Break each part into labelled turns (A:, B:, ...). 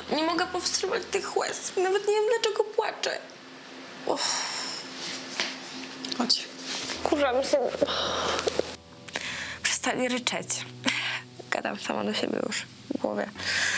A: Nie mogę powstrzymać tych łez. Nawet nie wiem, dlaczego płaczę.
B: Chodź.
A: Wkurzam się. Przestań ryczeć. Gadam sama do siebie już w głowie.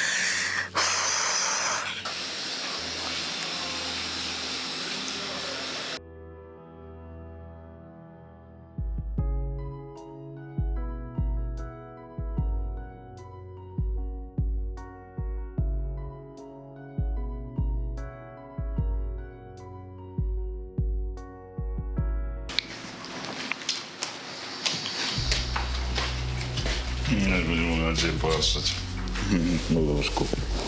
C: Nie będzie mogła na ciebie popatrzeć.
D: No łóżku.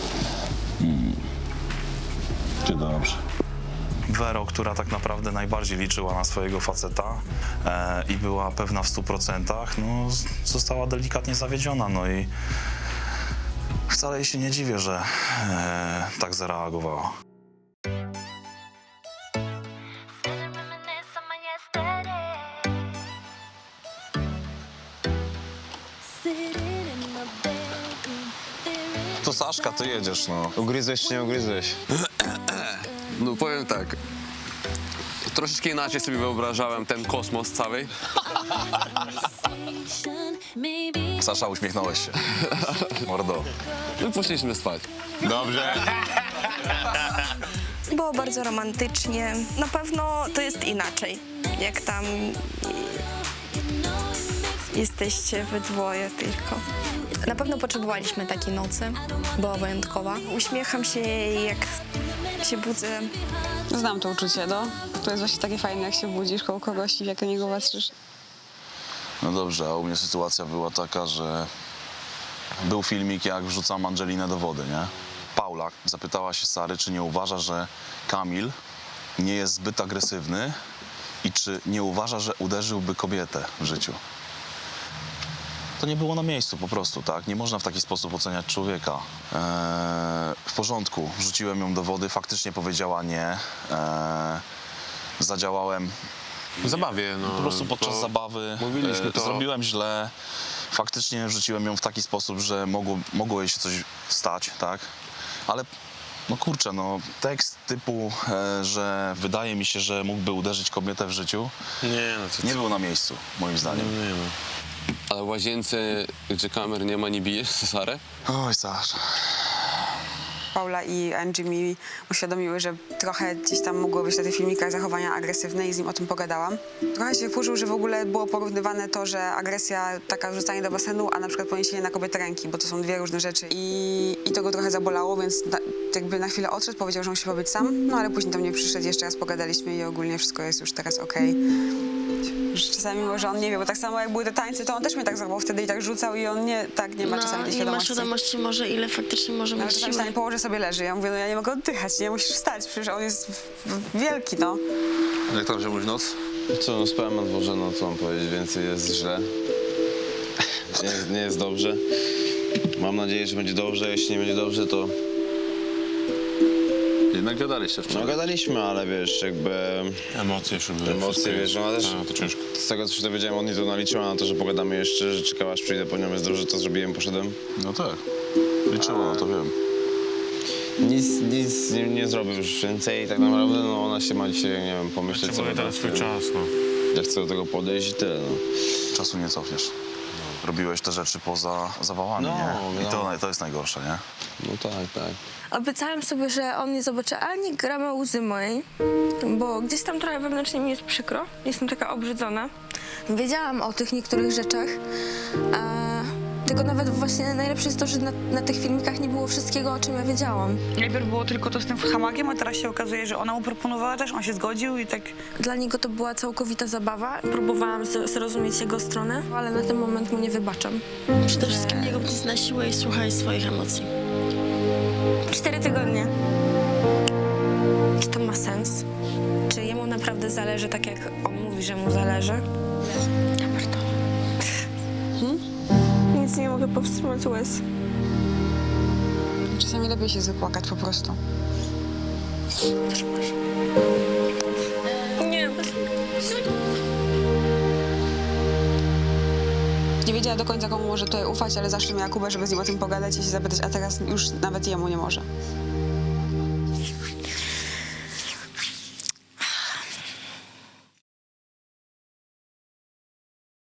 D: Czy dobrze?
E: Wero, która tak naprawdę najbardziej liczyła na swojego faceta i była pewna w 100%, no, została delikatnie zawiedziona. No i wcale jej się nie dziwię, że tak zareagowała.
D: To Saszka, ty jedziesz, no. Ugryzłeś czy nie ugryzłeś?
F: No powiem tak, troszeczkę inaczej sobie wyobrażałem ten kosmos cały.
D: Sasza, uśmiechnąłeś się. Mordo.
F: No i poszliśmy spać.
D: Dobrze.
A: Było bardzo romantycznie. Na pewno to jest inaczej, jak tam jesteście we dwoje tylko. Na pewno potrzebowaliśmy takiej nocy. Była wyjątkowa. Uśmiecham się jej, jak się budzę.
B: Znam to uczucie, no. To jest właśnie takie fajne, jak się budzisz koło kogoś i jak na niego patrzysz.
E: No dobrze, a u mnie sytuacja była taka, że był filmik, jak wrzucam Angelinę do wody, nie? Paula zapytała się Sary, czy nie uważa, że Kamil nie jest zbyt agresywny i czy nie uważa, że uderzyłby kobietę w życiu. To nie było na miejscu po prostu, tak? Nie można w taki sposób oceniać człowieka. W porządku, wrzuciłem ją do wody, faktycznie powiedziała nie. Zadziałałem
F: W zabawie, no.
E: po prostu podczas zabawy.
F: Mówiliśmy to.
E: Zrobiłem źle. Faktycznie wrzuciłem ją w taki sposób, że mogło jej się coś stać, tak? Ale no kurczę, no tekst typu, że wydaje mi się, że mógłby uderzyć kobietę w życiu,
F: Nie, no to
E: nie był na miejscu, moim zdaniem.
F: nie, no. Ale w łazience, gdzie kamer nie ma, nie bijesz Sarę?
E: Oj, Sasza.
B: Paula i Angie mi uświadomiły, że trochę gdzieś tam mogło być na tych filmikach zachowania agresywne i z nim o tym pogadałam. Trochę się wkurzył, że w ogóle było porównywane to, że agresja, taka wrzucanie do basenu, a na przykład poniesienie na kobietę ręki, bo to są dwie różne rzeczy. I to go trochę zabolało, więc jakby na chwilę odszedł, powiedział, że musi pobyć sam, no ale później do mnie przyszedł, jeszcze raz pogadaliśmy i ogólnie wszystko jest już teraz okej. Że czasami może on nie wie, bo tak samo jak były te tańce, to on też mnie tak zachował wtedy i tak rzucał i on nie ma czasami tej
A: nie ma
B: świadomości.
A: świadomości może, ile faktycznie może
B: Nawet
A: mieć
B: czasami
A: siły.
B: stanie położy sobie leży. Ja mówię, no ja nie mogę oddychać, nie musisz wstać, przecież on jest wielki, no.
D: Jak tam się noc? Co, no spałem na dworze, no co mam powiedzieć, więcej jest źle. Nie jest dobrze. Mam nadzieję, że będzie dobrze, jeśli nie będzie dobrze, to...
C: Jednak gadaliście
D: No
C: wczoraj.
D: gadaliśmy, ale wiesz, jakby...
C: Emocje już były.
D: Emocje, wiesz, no ale też
C: to ciężko.
D: z tego, co się dowiedziałem, on nie to naliczyła na to, że pogadamy jeszcze, że czekała, aż przyjdę po nią, jest dobrze, to zrobiłem, poszedłem.
E: No tak, liczyło, no to wiem.
D: Nic nie zrobił już więcej, tak naprawdę, no ona się ma dzisiaj, nie wiem, pomyśleć
C: Potrzebuje teraz swój czas, no.
D: Jak chcę do tego podejść i tyle, no.
E: Czasu nie cofniesz. Robiłeś te rzeczy poza zawałami,
D: No,
E: nie? I
D: wiadomo.
E: to jest najgorsze, nie?
D: No tak.
A: Obiecałam sobie, że on nie zobaczy ani grama łzy mojej, bo gdzieś tam trochę wewnętrznie mi jest przykro. Jestem taka obrzydzona. Wiedziałam o tych niektórych rzeczach, tylko nawet właśnie najlepsze jest to, że na tych filmikach nie było wszystkiego, o czym ja wiedziałam.
G: Najpierw było tylko to z tym hamakiem, a teraz się okazuje, że ona mu proponowała też, on się zgodził i tak...
A: Dla niego to była całkowita zabawa. Próbowałam zrozumieć jego stronę, ale na ten moment mu nie wybaczam.
H: Przede wszystkim nie rób nic na siłę i słuchaj swoich emocji.
A: 4 tygodnie. Czy to ma sens? Czy jemu naprawdę zależy tak, jak on mówi, że mu zależy? Ja pierdolę. Nic nie mogę powstrzymać łez.
B: Czasami lepiej się zapłakać po prostu.
A: Nie,
B: Nie wiedziała do końca, komu może tutaj ufać, ale zawsze miała Kubę, żeby z nim o tym pogadać i się zapytać, a teraz już nawet jemu nie może.